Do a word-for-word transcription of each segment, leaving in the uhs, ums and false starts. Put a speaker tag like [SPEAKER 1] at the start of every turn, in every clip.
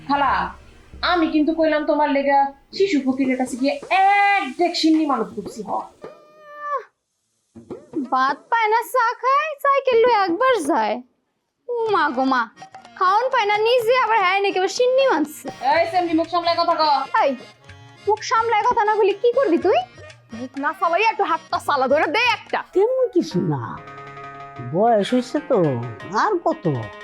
[SPEAKER 1] খালা আমি কিন্তু কইলাম তোমার লেগা শিশু ফকিরের কাছে গিয়ে এক ডেক সিন্নি মানত করছি হ।
[SPEAKER 2] ভাত পায় না চা খায় সাইকেল লয়ে একবার যায়। ও মা গো মা, খাওন পায় না নিজে আবার হ্যাঁ নাকি আবার সিন্নি মানছে।
[SPEAKER 1] এই সেমনি মুখ সামলায় কথা কও।
[SPEAKER 2] এই মুখ সামলায় কথা না বলি কি করবি তুই? মুখ না সামলাই একটু হাতটা সালা ধরে দে একটা।
[SPEAKER 3] তেমন কিছু না, বয়স হয়েছে তো আর কত।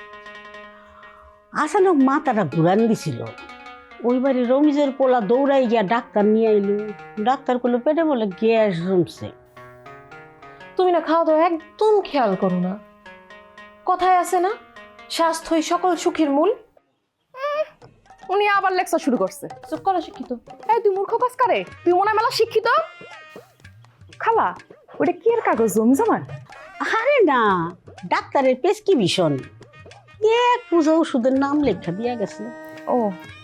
[SPEAKER 3] আসলে মাথাটা ঘুরান দিছিল। ওই বাড়ি রমিজের পোলা দৌড়াই গিয়া ডাক্তার নিয়ে আইলো। ডাক্তার করলো পেটে বলে গ্যাস জমছে।
[SPEAKER 1] তুমি না খাওয়া দাওয়া একদম খেয়াল করো না। কথায় আছে না, স্বাস্থ্যই সকল সুখের মূল।
[SPEAKER 4] উনি আবার লেকচার শুরু করছে।
[SPEAKER 1] চুপ করো শিক্ষিত।
[SPEAKER 4] এই তুই মূর্খ কাজ করে, তুই মনে হয় মেলা শিক্ষিত। খালা ওটা কি এর কাগজ জমি জমা?
[SPEAKER 3] আরে না, ডাক্তারের প্রেসক্রিপশন। এক পূজা ওষুধের নাম লেখা দিয়া গেছে।
[SPEAKER 4] ও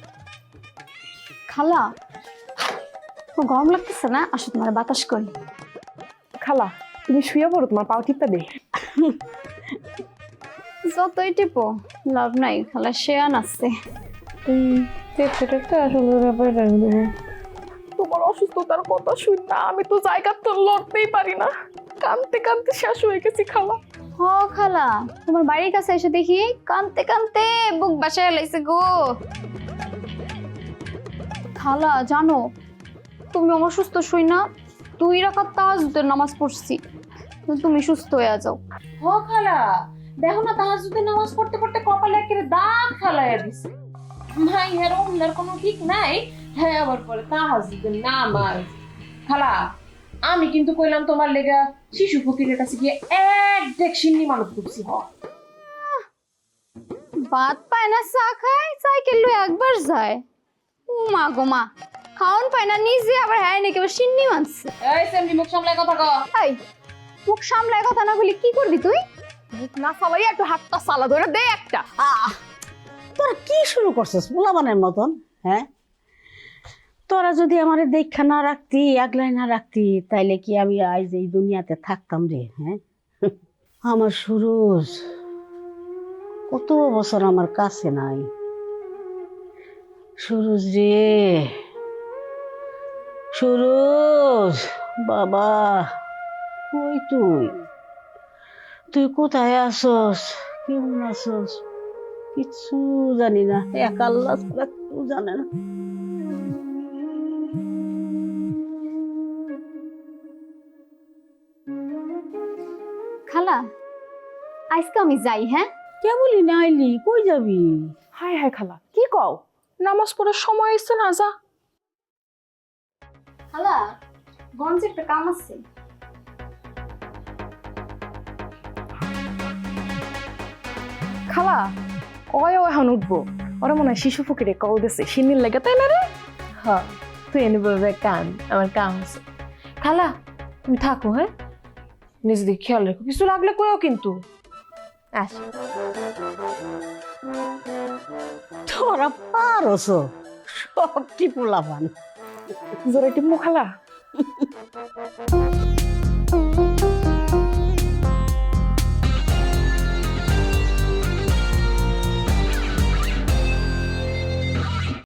[SPEAKER 2] খালা ও গরম লাগতেছে না, আসো তোমার বাতাস করি।
[SPEAKER 4] খালা তুমি শুয়ে পড়ো, তোমার পাও টিপটা দে।
[SPEAKER 2] যতই টিপো লাভ নাই, খালা শেয়ান আছে।
[SPEAKER 4] তোমার অসুস্থতার কথা শুন না, আমি তো জায়গা তো লড়তেই পারি না, কানতে কানতে শেষ হয়ে গেছি খালা।
[SPEAKER 2] হ খালা, তোমার বাড়ির কাছে এসে দেখি কানতে কানতে বুক বাসায় লাইছে গো। খালা জানো, তুমি আমার সুস্থ শুই না দুই রাকাত তাহাজ্জুদের নামাজ পড়ছি, তুমি সুস্থ হয়ে যাও।
[SPEAKER 1] হ খালা, দেখো না তাহাজ্জুদের নামাজ পড়তে পড়তে কপালে একেবারে দাগ ফেলাইয়া দিছে। মাই হের ওমনার কোনো ঠিক নাই, হ্যাঁ আবার পরে তাহাজ্জুদের নামাজ। খালা আমি কিন্তু কইলাম তোমার লেগা শিশু ফকিরের কাছে গিয়ে এক ডেক সিন্নি মানত করছি হ।
[SPEAKER 2] ভাত পায় না চা খায় সাইকেল লয়ে একবার যায়। ও মা গো মা, খাওন পায় না নিজে আবার হ্যাঁ নাকি আবার সিন্নি মানছে।
[SPEAKER 1] এই সেমনি মুখ সামলায় কথা কও।
[SPEAKER 2] এই মুখ সামলায় কথা না বলি কি করবি তুই?
[SPEAKER 4] মুখ না সালাই একটু হাতটা সালা ধরে দে একটা।
[SPEAKER 3] আহ, তোরা কি শুরু করছিস পোলাবানের মতন? হ্যাঁ, তোরা যদি আমার দেখা না রাখতি, আগলাই না রাখতি, তাইলে কি আমি আজ এই দুনিয়াতে থাকতাম রে? হ্যাঁ, আমার সুরজ কত বছর আমার কাছে নাই। সুরজ রে, সুরজ বাবা, কই তুই? তুই কোথায় আসস? কেমন আসস? কিচ্ছু জানি না, এক আল্লাহ ছাড়া কেউ জানে না।
[SPEAKER 2] খালা আজকে আমি যাই। হ্যাঁ
[SPEAKER 3] কেবলই না আইলি, কই যাবি?
[SPEAKER 4] হায় হায় খালা কি কও, নামাজ পড়ার সময় এসছে না, যা।
[SPEAKER 2] খালা গঞ্জে একটা কাম আছে।
[SPEAKER 4] খালা ওই ও এখন উঠবো, ওরা মনে হয় শিশু ফকিরে কল দিছে সিন্নির লেগে, তাই না রে?
[SPEAKER 1] হ্যাঁ তুই এনে বলবে কান, আমার কাম আছে। খালা তুমি থাকো, হ্যাঁ নিজে দিকে খেয়াল রেখো, কিছু লাগলে কইও কিন্তু। আস
[SPEAKER 3] তোরা পারস সবটি পোলাপান।
[SPEAKER 4] জোরে টিপমু খালা।